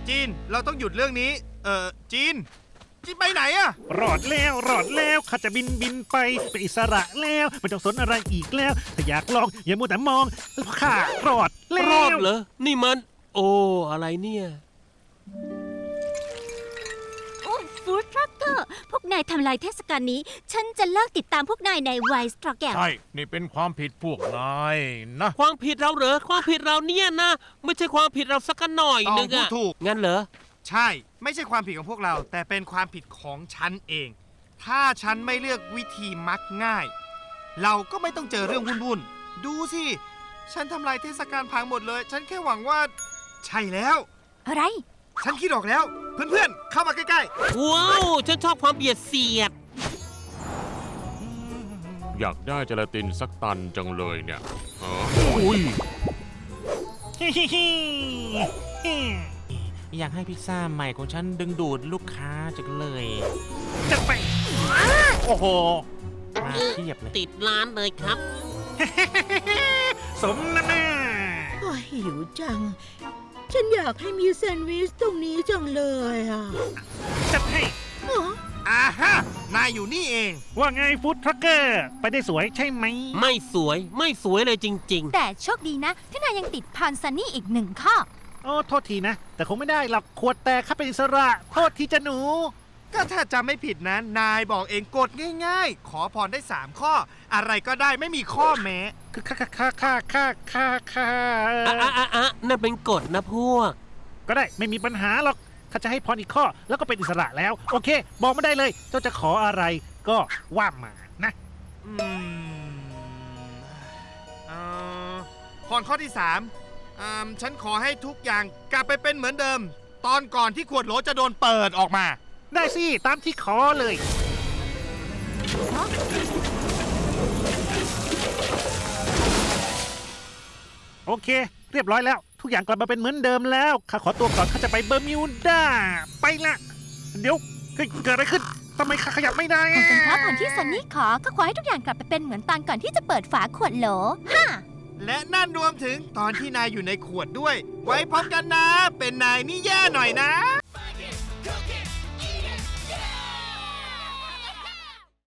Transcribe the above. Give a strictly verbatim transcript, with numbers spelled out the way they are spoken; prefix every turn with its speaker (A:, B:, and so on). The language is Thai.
A: จีนเราต้องหยุดเรื่องนี้เออจีนจีนไปไหนอะ
B: รอดแล้วรอดแล้วข้าจะบินบินไปเป็นอิสระแล้วไม่ต้องสนอะไรอีกแล้วถ้าอยากลองอย่ามัวแต่มองข้ารอดแล้ว
C: รอดเหรอนี่มัน โอ้อะไรเนี่ย
D: โอ้ฟู้ดทรัคเกอร์พวกนายทำลายเทศกาลนี้ ฉันจะเลิกติดตามพวกนายในไวสตรอแกรม
A: ใช่นี่เป็นความผิดพวกนายนะ
C: ความผิดเราเหรอความผิดเราเนี่ยนะ ไม่ใช่ความผิดเราสักหน่อยนึง
A: พูด
C: อะ
A: ถูก
C: งั้นเหรอ
A: ใช่ไม่ใช่ความผิดของพวกเรา แต่เป็นความผิดของฉันเอง ถ้าฉันไม่เลือกวิธีมักง่าย เราก็ไม่ต้องเจอเรื่องวุ่นๆดูสิฉันทำลายเทศกาลพังหมดเลย ฉันแค่หวังว่า ใช่แล้ว
D: อะไร
A: ฉันคิดออกแล้ว เพื่อนๆเข้ามาใกล้
C: ว้าวฉันชอบความเบียดเสียด
E: อยากได้เจลาตินสักตันจังเลยเนี่ยอ๋ออุ้ย
B: ฮิฮิฮิฮิ
F: อยากให้พิซซ่าใหม่ของฉันดึงดูดลูกค้าจังเลย
B: จะไปโอ้โห
F: มาเทียบเลย
C: ติดร้านเลยครับ
B: สมน้ำหน้า
G: โอ้ยหิวจัง ฉันอยากให้มีแซนด์วิชตรงนี้จังเลยอ่ะ
B: จัดให้
G: อ๋อ
A: ๆอาฮะนายอยู่นี่เอง
B: ว่าไงฟู้ดทรัคเกอร์ไปได้สวยใช่ไหม
C: ไม่สวยไม่สวยเลยจริง
D: แต่โชคดีนะ ที่นายยังติดพานซันนี่อีกหนึ่งข้อ
B: โอ้โทษทีนะ แต่คงไม่ได้หรอกขวดแตกข้าเป็นอิสระโทษทีจะหนู
A: ก็ถ้าจำไม่ผิดนะ นายบอกเองกดง่ายๆ ขอพรได้สามข้อ อะไรก็ได้ไม่มีข้อแม้
B: คือค่าค่าค่าค่าค่าค่า
C: ๆ อ่ะอ่ะอ่ะอ่ะนั่นเป็นกฎนะพวก
B: ก็ได้ไม่มีปัญหาหรอกข้าจะให้พรอีกข้อแล้วก็เป็นอิสระแล้ว โอเค บอกไม่ได้เลย เจ้าจะขออะไรก็ว่ามานะ
A: อืมเอ่อพรข้อที่สามอ่าฉันขอให้ทุกอย่างกลับไปเป็นเหมือนเดิม ตอนก่อนที่ขวดโหลจะโดนเปิดออกมา
B: ได้สิ ตามที่ขอเลย โอเค เรียบร้อยแล้ว ทุกอย่างกลับมาเป็นเหมือนเดิมแล้วข้าขอตัวก่อนข้าจะไปเบอร์มิวดาไปละ เดี๋ยวเฮ้ยเกิดอะไรขึ้นทำไมข้าขยับไม่ได้อะ
D: เป็นเพราะผลที่ซันนี่ขอ ก็ขอให้ทุกอย่างกลับไปเป็นเหมือนตอนก่อนที่จะเปิดฝาขวดโหลฮ่า
A: และนั่นรวมถึงตอนที่นายอยู่ในขวดด้วย ไว้พร้อมกันนะ เป็นนายนี่แย่หน่อยนะ